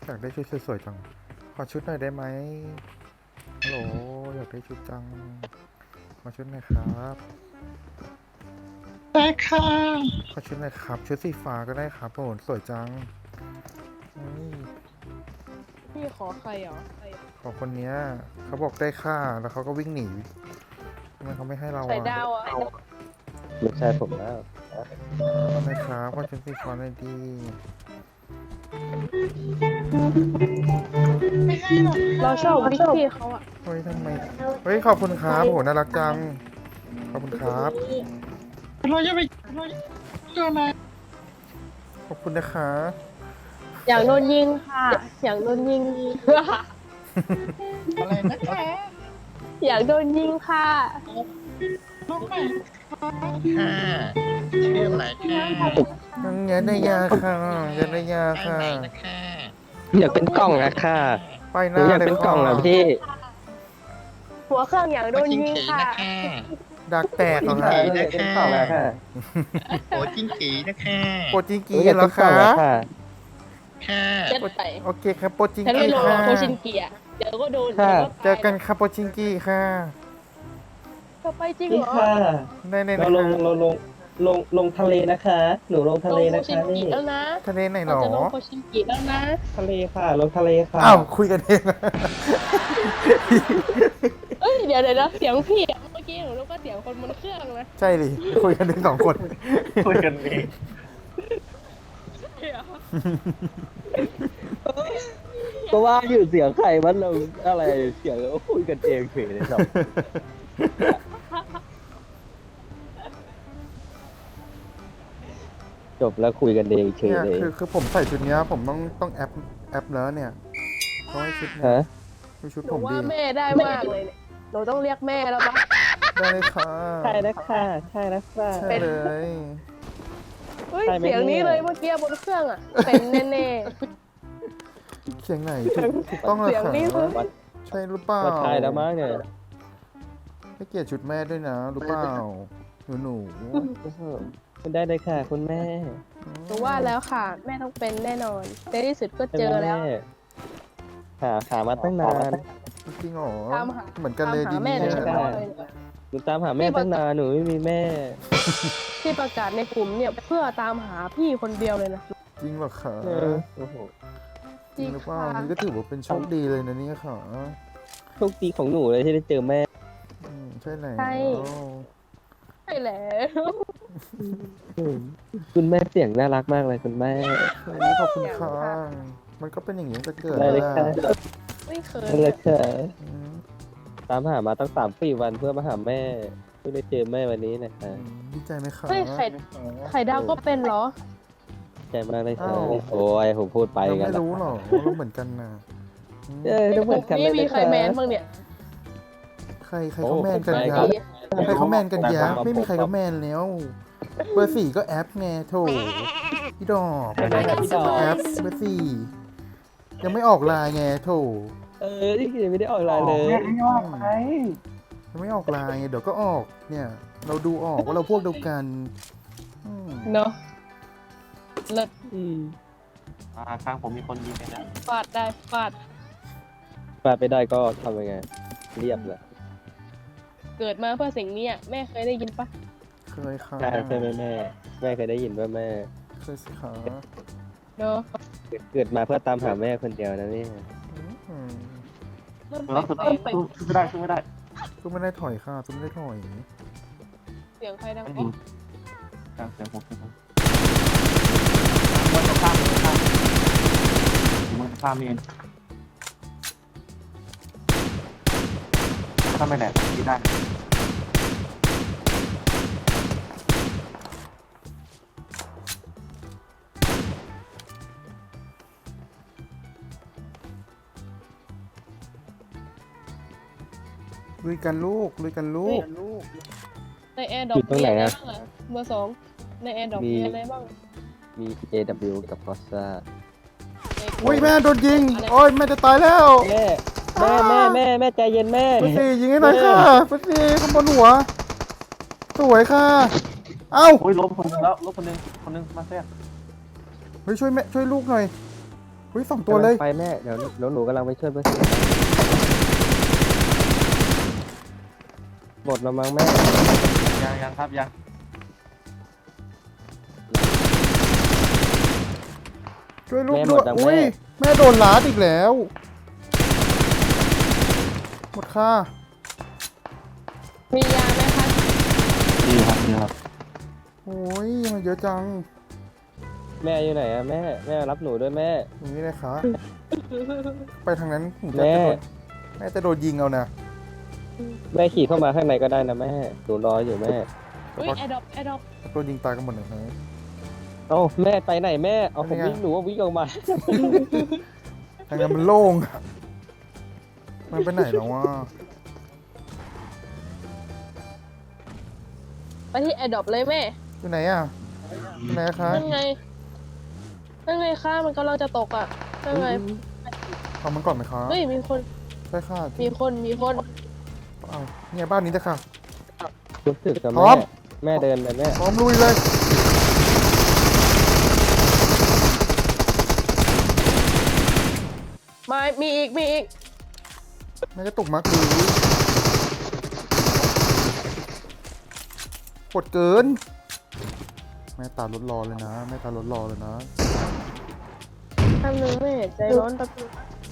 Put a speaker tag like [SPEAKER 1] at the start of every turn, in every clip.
[SPEAKER 1] อยากได้ชุดสวยๆจังขอชุดหน่อยได้ไหมฮัลโหลอยากได้ชุดจังขอชุดหน่อยครับ
[SPEAKER 2] ได้ค่ะ
[SPEAKER 1] ขอชุดหน่อยครับชุดสีฟ้าก็ได้ครับโอ้โหสวยจังอุ๊ย
[SPEAKER 3] พี่ขอใครเหรอ
[SPEAKER 1] ของคนเนี้ยเขาบอกได้ค่าแล้วเขาก็วิ่งหนีทำไมเขาไม่ให้เรา
[SPEAKER 3] ใส่
[SPEAKER 1] อ่ะ
[SPEAKER 3] ดาวอ่ะ
[SPEAKER 4] ไม่ใช่ผมแล้ว
[SPEAKER 1] ทำไมครับขอชุดสีฟ้าหน่อยดี
[SPEAKER 2] ไม่ให้หรอก
[SPEAKER 3] เราชอบวิกพี่เขาอ่ะ
[SPEAKER 1] เฮ้ยทำไมเฮ้ยขอบคุณครับโอ้โหน่ารักจังขอบคุณครับ
[SPEAKER 2] เราจะไปเราเจออะไร
[SPEAKER 1] ขอบคุณนะคะ
[SPEAKER 3] อยากโดนยิงค่ะอยากโดนยิง
[SPEAKER 2] อะไรนะคะ
[SPEAKER 3] อยากโดนยิงค่ะ
[SPEAKER 2] น้องใหม่ค่ะชื่ออะไรค่ะ
[SPEAKER 1] ยังยันได้ยาค่ะยันได้ยาค่ะ
[SPEAKER 2] นะคะ
[SPEAKER 4] อยากเป็นกล่องอะค่ะ
[SPEAKER 1] ไปห
[SPEAKER 4] หนู
[SPEAKER 1] น้า
[SPEAKER 4] อยาก
[SPEAKER 1] เลย
[SPEAKER 4] เป็นกล่อง
[SPEAKER 1] ค่ะ
[SPEAKER 4] อะพี่
[SPEAKER 3] หัวเครื่องอยากโดน
[SPEAKER 2] จิ้ง
[SPEAKER 3] ยิง
[SPEAKER 2] กี
[SPEAKER 3] ค่ะ
[SPEAKER 2] นะคะ
[SPEAKER 1] ดักแตกเหรอคะ
[SPEAKER 4] อยากเป็นกล่องอะค่ะ
[SPEAKER 2] โอ้จิ้งกีนะคะ
[SPEAKER 1] โปรจิง
[SPEAKER 4] หนู
[SPEAKER 1] กี
[SPEAKER 4] อยาก
[SPEAKER 1] เหร
[SPEAKER 4] เป็
[SPEAKER 1] อน
[SPEAKER 4] กล่อ
[SPEAKER 1] คะ
[SPEAKER 4] งอะค่ะ
[SPEAKER 2] ค่ะ
[SPEAKER 3] เจ็ดไป
[SPEAKER 1] โอเคครับโปรจิง
[SPEAKER 3] ฉัน
[SPEAKER 1] กี
[SPEAKER 3] ไม่ลง
[SPEAKER 1] ค่ะ
[SPEAKER 3] โคชินเกียเดี๋ยวก็โดน
[SPEAKER 4] ค่ะ
[SPEAKER 1] เจอกันครับโปรจิงกีค่ะ
[SPEAKER 3] เธอไปจริง
[SPEAKER 4] พี่
[SPEAKER 3] เหรอ
[SPEAKER 4] ค่ะ
[SPEAKER 1] ได้ใน
[SPEAKER 4] เราลงทะเลนะคะ หนูลงทะเล
[SPEAKER 3] โค
[SPEAKER 4] นะ
[SPEAKER 3] ชิ
[SPEAKER 4] คะ
[SPEAKER 3] นกิ
[SPEAKER 4] นี่
[SPEAKER 3] แล้วนะ
[SPEAKER 1] ทะเลไหนหร
[SPEAKER 3] เรา
[SPEAKER 1] อ
[SPEAKER 3] จะลงโคชินกิแล้วนะ
[SPEAKER 4] ทะเลค่ะลงทะเลค่ะ
[SPEAKER 1] อ้าวคุยกันเอง
[SPEAKER 3] เอ้ยเดี๋ยวเสียงพี่อะเมื่อกี้หนูรู้ว่าเสียงคนบนเครื่องนะ
[SPEAKER 1] ใช่ดิคุยกันถึงสองคน
[SPEAKER 2] คุยกันเอง
[SPEAKER 4] ก็ว่าอยู่เสียงใครมันเราอะไรเสียงเราคุยกันเองเฉยเลยครับจบแล้วคุยกันเองเฉย
[SPEAKER 1] เนี่ย
[SPEAKER 4] เลย
[SPEAKER 1] คือผมใส่ชุดเนี้ยผมต้องแอปแล้วเนี่ยเขาให้ชุดเนี่ย
[SPEAKER 4] ฮะ
[SPEAKER 1] ดูชุด
[SPEAKER 3] หนู
[SPEAKER 1] ผม
[SPEAKER 3] ว่า
[SPEAKER 1] ดี
[SPEAKER 3] แม่ได้มากเลยเนี่ยหนูต้องเรียกแม่แล้วปะ
[SPEAKER 1] ได้เลยค่ะ
[SPEAKER 4] ใช่นะคะใช่นะคะ
[SPEAKER 1] ใช่เลย
[SPEAKER 3] เฮ้ย
[SPEAKER 4] ใช่ไหม
[SPEAKER 3] เสียงนี้
[SPEAKER 4] เนี่ย
[SPEAKER 3] เลยเมื่อกี้บนเครื่องอ่ะเป็นแน่
[SPEAKER 1] เสียงไหนถูกต้องเลย
[SPEAKER 3] เสียง
[SPEAKER 1] ค่ะ
[SPEAKER 3] นี้คือ
[SPEAKER 1] ใช่หรือเปล่า
[SPEAKER 4] ว่าใช่แล้วมั้งเนี่ย
[SPEAKER 1] ให้เกียรติชุดแม่ด้วยนะรู้เปล่าหนู
[SPEAKER 4] คุณได้เลยค่ะ คุณแม่
[SPEAKER 3] ๆหนูว่าแล้วค่ะ แม่ต้องเป็นแน่นอนในที่สุดก็เจอแล้ว
[SPEAKER 4] หามาตั้งนาน
[SPEAKER 1] จริงเหรอ
[SPEAKER 3] ตามหา
[SPEAKER 1] เหมือนกันเลย
[SPEAKER 3] ตาม
[SPEAKER 1] ดี
[SPEAKER 3] หาแม่
[SPEAKER 1] เนี่
[SPEAKER 3] ใน
[SPEAKER 1] ย
[SPEAKER 3] เฉพาะเลย
[SPEAKER 4] หนูตามหาแม่ตั้งนานหนูไม่มีแม่
[SPEAKER 3] ที่ประกาศในกลุ่มเนี่ยเพื่อตามหาพี่คนเดียวเลยนะ
[SPEAKER 1] จริงเหรอคะ
[SPEAKER 4] โอ้โห
[SPEAKER 1] จริงหรือเปล่า
[SPEAKER 3] ค่ะ
[SPEAKER 1] นี่ก็ถือว่าเป็นโชคดีเลยนะเนี่ยค่ะ
[SPEAKER 4] โชคดีของหนูเลยที่ได้เจอแม่
[SPEAKER 1] ใช่แล้ว
[SPEAKER 3] ใช่แล้ว
[SPEAKER 4] คุณแม่เสียงน่ารักมากเลยคุณแม่
[SPEAKER 1] เฮ้ยขอบคุณค่ะมันก็เป็นอย่างนี้จะเกิด
[SPEAKER 4] ได้เลยค่ะ
[SPEAKER 3] ไม่เคย
[SPEAKER 4] นั่นแหละค่ะ
[SPEAKER 1] อืม
[SPEAKER 4] ตามหามาตั้ง3-4 วันเพื่อมาหาแม่เพื่อได้เจอแม่วันนี้นะคะ
[SPEAKER 1] ดีใจไหมคะ
[SPEAKER 3] เฮ้ยไข่ดาวก็เป็นเหรอ
[SPEAKER 4] ใจมากเลยค่ะโอ้ยผมพูดไป
[SPEAKER 1] เรา
[SPEAKER 4] กัน
[SPEAKER 1] ไม่รู้หรอกว่าเราเหมือนกันนะอืม
[SPEAKER 4] ทุกเหมือนกันเลย
[SPEAKER 3] นี่มี
[SPEAKER 4] นะ
[SPEAKER 3] ใคร
[SPEAKER 4] คะ
[SPEAKER 3] แมนบ้างเนี่ย
[SPEAKER 1] ใครเขาแมนกัน
[SPEAKER 4] โอ้
[SPEAKER 1] ยั
[SPEAKER 4] ผม
[SPEAKER 1] บใครเขาแมนกันยับไม่มีใครเขาแมนแล้วเบอร์4ก็แอปไงโถพี่ดอก
[SPEAKER 4] ใช่ไหมครับพี่ดอก
[SPEAKER 1] แอปเบอร์4ยังไม่ออกไลน์ไงโถ
[SPEAKER 4] นี่คือยังไม่ได้ออกไลน์เลย
[SPEAKER 1] ยังไม่ออกไลน์ไงเดี๋ยวก็ออกเนี่ย เราดูออกว่าเราพวกเดียวกันอืม
[SPEAKER 3] เนาะเลิศ
[SPEAKER 5] ข้างผมมีคนยิงเลยนะ
[SPEAKER 3] ฟาดได้ฟาด
[SPEAKER 4] ปาดไปได้ก็ทำยังไง เรียบเลย
[SPEAKER 3] เกิดมาเพื่อสิ่งนี้อะแม่เคยได้ยินปะ
[SPEAKER 1] เคยค่ะ
[SPEAKER 4] ใช่ไหมแม่แม่เคยได้ยินว่าแม่
[SPEAKER 1] เคยสิคะ
[SPEAKER 3] เนาะ
[SPEAKER 4] เกิดมาเพื่อตามหาแม่คนเดียวนะเนี่ย
[SPEAKER 1] อืม
[SPEAKER 3] เริ่ม
[SPEAKER 5] แล้ว
[SPEAKER 3] แปลก
[SPEAKER 5] สู้ไม่ได้สู้ไม่ได้
[SPEAKER 1] ก็ไม่ได้ถอยค่ะก็ไม่ได้ถอย
[SPEAKER 3] เสียงใครดัง
[SPEAKER 5] มัน
[SPEAKER 3] อ๋
[SPEAKER 5] ยิ
[SPEAKER 3] อง
[SPEAKER 5] กลางเสียงผมมันจะข้ามมันจะข้ามเองถ้าไม่แหลกยิงได้
[SPEAKER 1] ลุยกันลูกลุยกันลูก
[SPEAKER 3] ในแอร์ดรอปมีอะไรบ้างอะเบอร์2ในแอร์ดรอปมีอะไรบ้าง
[SPEAKER 4] มี AW กับ c o s a
[SPEAKER 1] อุ้ยแม่โดนยิงโอ้ยแม่จะตายแล้ว
[SPEAKER 4] แม่ใจเย็นแม่
[SPEAKER 1] เบอร์4ยิงให้หน่อยค่ะเบอร์4ข้างบนหัวสวยค่ะเอ้า
[SPEAKER 5] โอ้ยลบคนนึงแล้วลบคนนึงมาแทรก
[SPEAKER 1] เฮ้ยช่วยแม่ช่วยลูกหน่อยอุ้ย2 ตัวเลย
[SPEAKER 4] กำงไปแม่เดี๋ยวหนูกำลังไปช่วยเบอร์สี่หมดแล้วมั้งแม่
[SPEAKER 5] ยังครับยัง
[SPEAKER 1] ช่วยลูกด้วยอุ้ยแม่โดนลาดอีกแล้วหมดค่า
[SPEAKER 3] มียาไหมคะ
[SPEAKER 5] ดีครับ
[SPEAKER 1] โอ้ยมันเยอะจัง
[SPEAKER 4] แม่อยู่ไหนอะแม่รับหนูด้วยแม่
[SPEAKER 1] อย่างนี้เลยค่ะไปทางนั้นผมจะ
[SPEAKER 4] แม่
[SPEAKER 1] โดนแม่จะโดนยิงเอานะ
[SPEAKER 4] แม่ขี่เข้ามาข้างในก็ได้นะแม่หนูรออยู่แม่
[SPEAKER 3] อุ้ยแอดดอปแอดดอป
[SPEAKER 1] โดนยิงตายกันหมดเลยนะ
[SPEAKER 4] เอ้าแม่ไปไหนแม่เอาผม
[SPEAKER 1] เป็นไง
[SPEAKER 4] วิ่งหนูว่าวิ่งออกมา
[SPEAKER 1] ทางนั้นมันโล่งอะมันไปไหนแล้ววะ
[SPEAKER 3] ไปที่แอดดอปเลยแม่
[SPEAKER 1] อยู่ไหนอ่ะอยู่ไหนคะ
[SPEAKER 3] นั่นไงค่ะมันกำลังจะตกอ่ะนั่นไง
[SPEAKER 1] เอามันก่อนไหมคะ
[SPEAKER 3] เฮ้ยมีคน
[SPEAKER 1] ใช่ค่ะ
[SPEAKER 3] มีคน
[SPEAKER 1] เอาเนี่ยบ้านนี้จะค่ะ
[SPEAKER 4] รู้สึกกับ
[SPEAKER 1] พร้อ
[SPEAKER 4] แม่
[SPEAKER 1] ม
[SPEAKER 4] แม่เดินไปแม่
[SPEAKER 1] พร้อมลุยเลย
[SPEAKER 3] มามีอีก
[SPEAKER 1] แม่จะตกมากหรือกดเกิน แม่ตาลดรอเลยนะแม่ตาลดรอเลยนะ
[SPEAKER 3] ทำหนึ่งแม่ใจร้อนตะกุ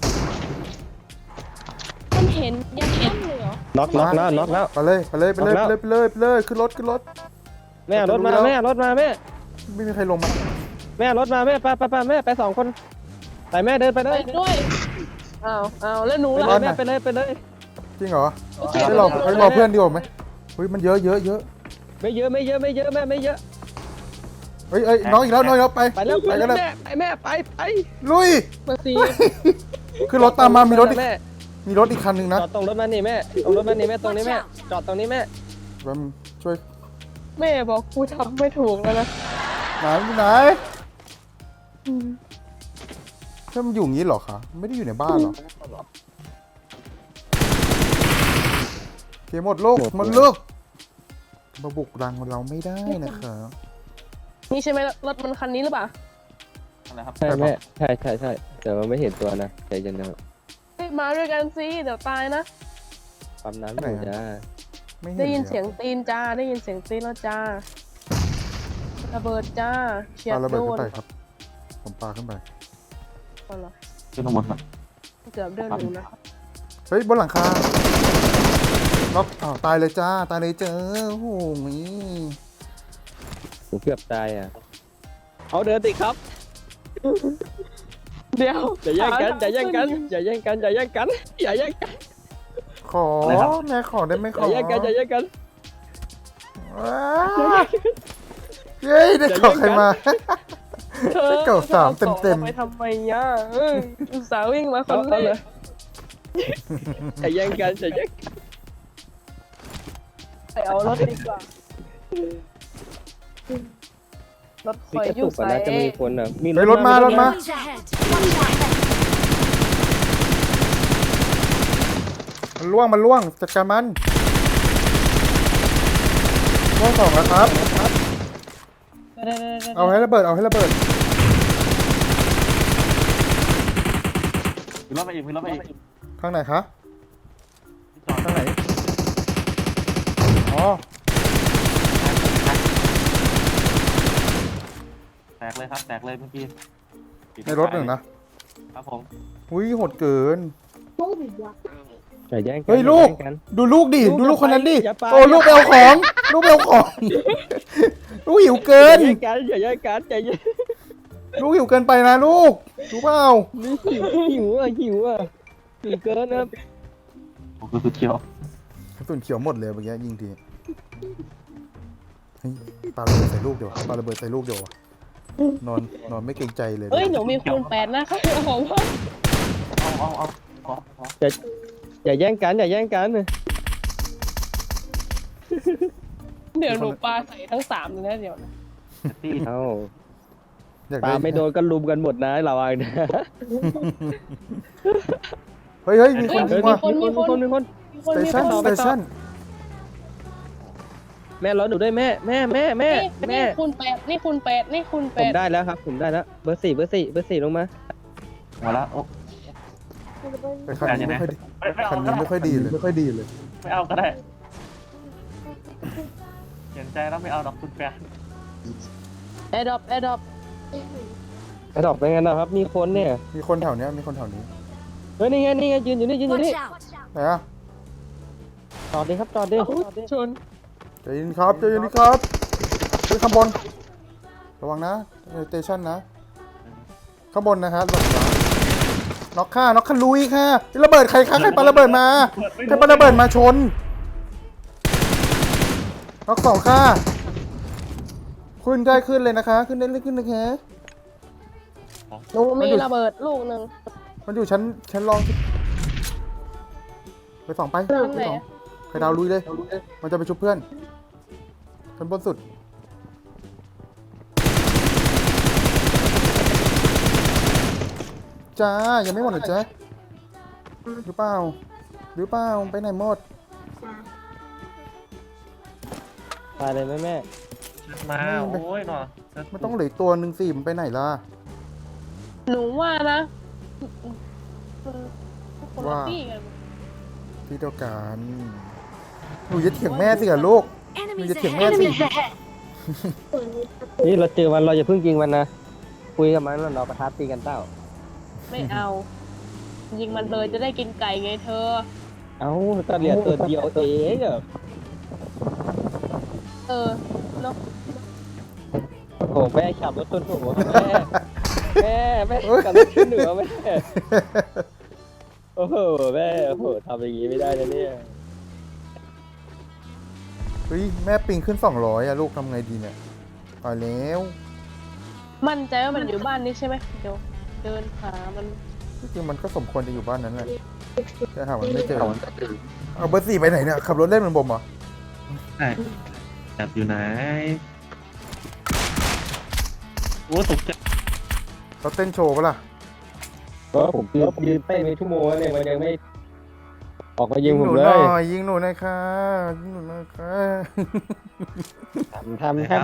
[SPEAKER 3] มันเห็นยังเห็นเลยเหรอ
[SPEAKER 4] น็อกแล้ว
[SPEAKER 1] ไปเลยขึ้นรถ
[SPEAKER 4] แม่รถมาแม่รถมาแม่
[SPEAKER 1] ไม่มีใครลงมา
[SPEAKER 4] แม่รถมาแม่ไปแม่ไป2 คนไปแม่เดินไปเล
[SPEAKER 3] ไป
[SPEAKER 4] ย
[SPEAKER 3] ด้วยอ้าวแล้วหนู
[SPEAKER 4] ไป
[SPEAKER 3] ล่ะ
[SPEAKER 4] เลยแม่ไปเลย
[SPEAKER 1] จริงเหรอ
[SPEAKER 3] โอเค
[SPEAKER 1] ให้รอเพื่อนดีกว่าไหมเฮ้ยมันเยอะ
[SPEAKER 4] ไม่เยอะแม่ไม่เยอะ
[SPEAKER 1] เฮ้ยน้องอีกแล้วไป
[SPEAKER 4] ไปแล้ว
[SPEAKER 1] ไปกันเลย
[SPEAKER 4] แม่ไป
[SPEAKER 1] ลุย
[SPEAKER 3] เบอร์สี่
[SPEAKER 1] คือรถตามมามีรถอีก
[SPEAKER 4] แม่
[SPEAKER 1] มีรถอีกคันหนึ่งนะ
[SPEAKER 4] จอดตรงรถมานี่แม่ตรงรถมานี่แม่ตรงนี้แม่จอดตรงนี้แม่
[SPEAKER 1] แป๊บช่วย
[SPEAKER 3] แม่บอกกูทำไม่ถูกแล้วนะ
[SPEAKER 1] ไหนถ้ามันอยู่อย่างนี้เหรอคะไม่ได้อยู่ในบ้านหรอเกมหมดโลกมาบุกรังเราไม่ได้นะคะ
[SPEAKER 3] นี่ใช่ไหมรถมันคันนี้หรือเปล่า
[SPEAKER 5] อะไรครับ
[SPEAKER 4] ใช่แม่ใช่แต่ว่าไม่เห็นตัวนะใจเย็นนะครับ
[SPEAKER 3] เฮ้ยมาด้วยกันสิเดี๋ยวตายนะ
[SPEAKER 4] ปั๊มน้ำอยู่จ้า
[SPEAKER 1] ไม่เห็น
[SPEAKER 3] ได้ยิน
[SPEAKER 1] ล
[SPEAKER 3] เสียงตีนจ้าได้ยินเสียงตีนแล้วจ้าระเบิดจ้าเฉีย
[SPEAKER 1] ปา
[SPEAKER 3] ด
[SPEAKER 1] ระเบิ
[SPEAKER 3] โด
[SPEAKER 1] ดขึ้
[SPEAKER 3] น
[SPEAKER 1] นไปครับ ผมปาขึ้นไป
[SPEAKER 3] เอาเหรอ
[SPEAKER 5] ขึ้นข้างบนก่อน
[SPEAKER 3] เกือบเดินอยู่นะ
[SPEAKER 1] เฮ้ยบนหลังคาล็อกตายเลยจ้าตายเลยเจอโอ้โห
[SPEAKER 4] ผมเกือบตายอ่ะเอาเดินติครับ
[SPEAKER 3] เดี๋ยว
[SPEAKER 4] อย่าแย่งกันอย่าแย่งกันอย่าแย่งกันอย่าแย่งกันอย่าแย่งกัน
[SPEAKER 1] ขอแม่ขอได้ไหม
[SPEAKER 4] อ
[SPEAKER 1] ขอย่
[SPEAKER 4] าแย่งกันอย่าแย่งกัน
[SPEAKER 1] ว้าวเย้ได้ขอใครมา
[SPEAKER 3] เธอ
[SPEAKER 1] เก่าสามเต็มๆ
[SPEAKER 3] ไปทำไมย่ะอุตส่าห์วิ่งมาคนแร
[SPEAKER 4] เอาเลย
[SPEAKER 3] ก
[SPEAKER 4] อย่าแย่งกันอย่าแย่งกัน
[SPEAKER 3] ไปเอารถดีกว่า รถค
[SPEAKER 4] มี
[SPEAKER 3] อย
[SPEAKER 4] กระ
[SPEAKER 3] ยุ่
[SPEAKER 4] ตุ
[SPEAKER 3] ง
[SPEAKER 4] กก่อน
[SPEAKER 3] ใส่
[SPEAKER 4] นะจะมีคนอ่ะมี
[SPEAKER 1] เฮ้ยรถมา
[SPEAKER 6] Enemies ahead. Watch out.
[SPEAKER 1] มันล่วงจัดการมันล่วง2แล้วครับ เอาให้ระเบิด
[SPEAKER 5] มีรถมาอีก
[SPEAKER 1] ข้างไหนคะข้างไหนอ๋อ
[SPEAKER 5] แตกเลยครับแตกเลยเมื่อกี้
[SPEAKER 1] ในรถหนึ่งนะครับ
[SPEAKER 5] ผม
[SPEAKER 1] อุ้ยโหดเกิน
[SPEAKER 4] อย่าแย่งกัน
[SPEAKER 1] เฮ้ยลูก
[SPEAKER 4] อาแย่งกัน
[SPEAKER 1] ดูลูกดิดูลูกคนนั้นดิ
[SPEAKER 4] อย่าไป
[SPEAKER 1] โอ้ลูกไปเอาของลูกลูกหิวเกิ
[SPEAKER 4] อย่าน แย่งกันอย่าแย่งกันใจเย็น
[SPEAKER 1] ลูกหิวเกินไปนะลูกรู้เปล่า
[SPEAKER 4] นี่หิวหิวเกินนะ
[SPEAKER 5] ผมก็คือเที่ยว
[SPEAKER 1] กระสุนเขียวหมดเลยเมื่อกี้ยิงทีเฮ้ยปาระเบิดใส่ลูกเดี๋ยวปาระเบิดใส่ลูกเดี๋ยวนอนไม่เกรงใจเลย
[SPEAKER 3] เอ้ยหนูมีคูณ8นะคะผมว่า
[SPEAKER 5] เอา
[SPEAKER 4] อย่าแย่งกันอย่าแย่งกัน
[SPEAKER 3] เดี๋ยวหนูปาใส่ทั้ง3เลยนะเดี๋ยวนะ
[SPEAKER 5] ตี
[SPEAKER 4] เอ้า
[SPEAKER 1] อยาก
[SPEAKER 4] ปลา
[SPEAKER 1] ได้
[SPEAKER 4] ไม่โดนก็ลุมกันหมดนะระวังนะ
[SPEAKER 1] เฮ้ยมีคนยิงว่ะ
[SPEAKER 4] มีคน
[SPEAKER 3] มีคน
[SPEAKER 1] สเต
[SPEAKER 3] มี
[SPEAKER 1] ชัน
[SPEAKER 3] คน
[SPEAKER 1] สเตชัน
[SPEAKER 4] แม่รอหนูด้วยแม่
[SPEAKER 3] นี่คูณ8นี่คูณ8นี่คูณ
[SPEAKER 4] ผมได้แล้วครับผมได้แล้วเบอร์สี่ลงมา
[SPEAKER 5] มาแล้วโอ้
[SPEAKER 1] แต่คันนี้ไม่ค่อยดี
[SPEAKER 5] ไม่เอา
[SPEAKER 1] คัน
[SPEAKER 5] ก็
[SPEAKER 1] นี้
[SPEAKER 5] ได้
[SPEAKER 1] ไม่ค่อยดีเลยไม่ค่อยดีเลย
[SPEAKER 5] ไม่เอาก็ได้เห็นใจแล้วไม่เอาดอกคุณแฟน
[SPEAKER 3] แอร์ดรอป
[SPEAKER 4] ไอ้ดอกเป็นไงนะครับ มีคนเนี่ย
[SPEAKER 1] มีคนแถวเนี้ยมีคนแถวนี้
[SPEAKER 4] เฮ้ยนี่ไงยืนอยู่นี่ยืนอยู่
[SPEAKER 6] Watch
[SPEAKER 4] นี่
[SPEAKER 6] out!
[SPEAKER 1] ไหนอะ
[SPEAKER 4] จอดดิครับจอดดิ
[SPEAKER 3] ชน
[SPEAKER 1] ใจเย็นครับใจเย็นดีครับขึ้นข้างบนระวังนะสเตชันนะข้างบนนะครับระวังนะน็อกค่ะลุยค่ะระเบิดใครคะใครปาระเบิดมาใครปาระเบิดมาชนน็อกสองค่ะขึ้นได้ขึ้นเลยนะคะ ขึ้นได้เลยขึ้นนะคะ
[SPEAKER 3] หนูมีระเบิดลูกหนึ่ง
[SPEAKER 1] มันอยู่ชั้นรองไปสองไป
[SPEAKER 3] ชั้นไหน
[SPEAKER 1] ไปสองใครดาวลุยเลย มันจะไปชุบเพื่อนชั้นบนสุดจ้ายังไม่หมดเหรอจ๊ะหรือเปล่าไปไหนหมด
[SPEAKER 4] ตายเลยแม่
[SPEAKER 5] มาโอ้ยหนอ
[SPEAKER 1] มันต้องเหลืออกตัวหนึ่งสิมันไปไหนล่ะ
[SPEAKER 3] หนูว่านะคนละที่กัน
[SPEAKER 1] ที่เดียวกันหนูจะเถียงแม่สิกับลูก
[SPEAKER 6] Enemies
[SPEAKER 1] You're getting
[SPEAKER 6] ahead!
[SPEAKER 1] mad.
[SPEAKER 6] Enemies ahead!
[SPEAKER 4] นี่เราเจอมันเราอย่าเพิ่งยิงมันนะคุยกับมันแล้วเราประทับตีกันเต้า
[SPEAKER 3] ไม่เอา ยิงมันเลยจะได้กินไก่ไงเธอ
[SPEAKER 4] เอ้าก็เหลือตัวเดียวเองอะ
[SPEAKER 3] เออเนาะ
[SPEAKER 4] โอ้โหแม่ขับรถชนหัวแม่ขับรถชนเหนือแม่โอ้โหแม่โอ้โหทำอย่างงี้ไม่ได้นะเนี่ย
[SPEAKER 1] เฮ้ยแม่ปิงขึ้น200อะลูกทำไงดีเนี่ยตายแล้ว
[SPEAKER 3] มั่นใจว่ามันอยู่บ้านนี้ใช่ไหมเดี๋ยวเดินหามัน
[SPEAKER 1] จริงๆมันก็สมควรจะอยู่บ้านนั้นแหละแต่หามันไม่เจอเอาเบอร์4ไปไหนเนี่ยขับรถเล่นเหมือนผมเหรอ
[SPEAKER 5] ใช่แอบอยู่ไหนโอ้ตกใจ
[SPEAKER 1] เราเต้นโชว์ปะล่ะ
[SPEAKER 4] ก็ผมยืนเต้นไปชั่วโมงแล้วเนี่ยมันยังไม่ออกมายิงผม
[SPEAKER 1] หนู
[SPEAKER 4] เล
[SPEAKER 1] หน่
[SPEAKER 4] ย
[SPEAKER 1] อยยิงหนูหน่อยค่ะยิงหนูหน่อยค่ะ
[SPEAKER 4] ทำ
[SPEAKER 1] ยิง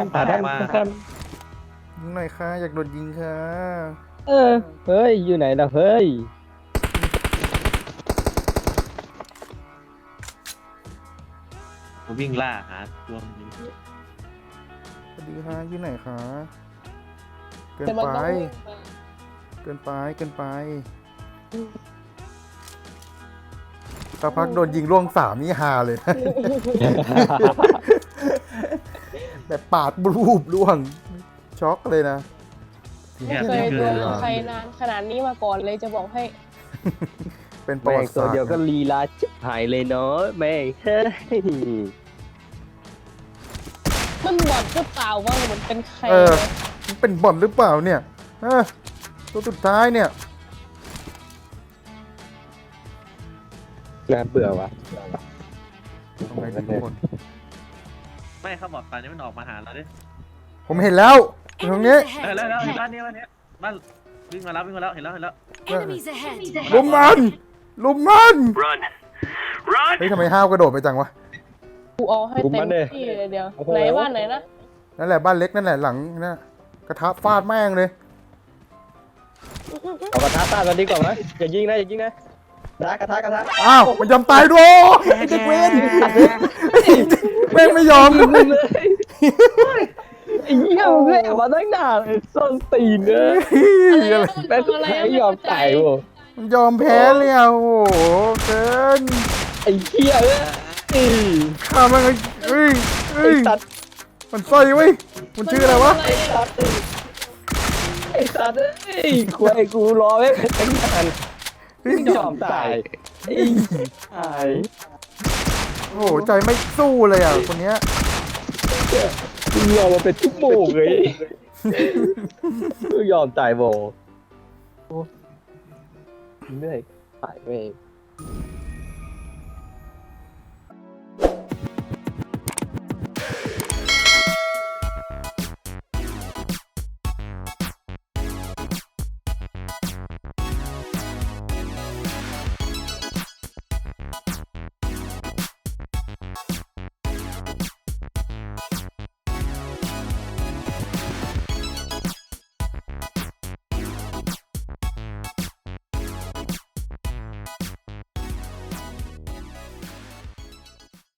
[SPEAKER 1] หน่อยค่ะอยากโดนยิงค่ะ
[SPEAKER 4] เฮ้ยอยู่ไหนล่ะเฮ้ย
[SPEAKER 5] ผมวิ่งล่าหาตัวมันอยู่
[SPEAKER 1] สวัสดีค่ะอยู่ไหนคะเกิน
[SPEAKER 3] แต่มัน
[SPEAKER 1] ไป
[SPEAKER 3] ต้องวิ่งมา
[SPEAKER 1] เกินไปสักพักโดนยิงล่วง3นี่ฮาเลย แบบปาดรูปล่วงช็อกเลยนะ
[SPEAKER 3] ไม่เคยดูใครนานขนาดนี้มาก่อนเลยจะบอกให้
[SPEAKER 1] เป็นประ
[SPEAKER 4] แม่
[SPEAKER 1] วั
[SPEAKER 4] ง
[SPEAKER 1] ติ
[SPEAKER 4] ตัว
[SPEAKER 1] ศาสตร์
[SPEAKER 4] เดียวก็ลีลาชิบหายเลยเนาะแม่งเฮ้ย
[SPEAKER 3] มันบอดหรือเปล่าว่ามันเป็นใคร
[SPEAKER 1] มันเป็นบ่อนหรือเปล่าเนี่ยตัวสุดท้ายเนี่ย
[SPEAKER 4] น่าเบื่อวะ
[SPEAKER 1] ทำไงดีทุกคน
[SPEAKER 5] ไม่เขาบอกตอนนี้มันออกมาหาเราดิ
[SPEAKER 1] ผมเห็นแล้วอยู่ตรงนี้
[SPEAKER 6] Enemies
[SPEAKER 5] แล้ว
[SPEAKER 6] ahead!
[SPEAKER 5] บ้านนี้บ้านวิ่งมาแล้วเห็นแล้ว
[SPEAKER 6] Enemies ahead!
[SPEAKER 1] ลุมมันเฮ้ยทำไมห้าวกระโดดไปจังวะ
[SPEAKER 3] กูเอาให้เต็มที่เลยเดียวไหนบ้านไหนนะ
[SPEAKER 1] นั่นแหละบ้านเล็กนั่นแหละหลังนั่นกระทะฟาดแม่งเลย
[SPEAKER 4] เอากระทะต้านกันดีกว่าไหมอย่ายิงนะกระทะ
[SPEAKER 1] อ้าวมันยอมตายด้วยไอ้เด็กเวนแม่งไม่ยอมเลย
[SPEAKER 4] ไอ้เหี้ยมึงแอบมาตั้งนานไอ้ส้นตีนเนี่ย
[SPEAKER 1] อะไร
[SPEAKER 4] แม่งไม่ยอมตายโว้
[SPEAKER 1] มันยอมแพ้เลยอ่ะโอ้โหเกิน
[SPEAKER 4] ไอ้เหี้ยเอ้ย
[SPEAKER 1] ข้ามันเอ้ย
[SPEAKER 4] ไอ้สัตว์
[SPEAKER 1] มันสร้อยเว้ยมันชื่ออะไรวะ
[SPEAKER 4] ไอ้สัตว์ไอ้ควายกูรอไว้ตั้งนานไม่ยอมตายไอ้ตาย
[SPEAKER 1] โอ้โหใจไม่สู้เลยอ่ะคนเนี้ย
[SPEAKER 4] กูยอมมาเป็นชั่วโมงเลยกูยอมตายโบเหนื่อยตายไป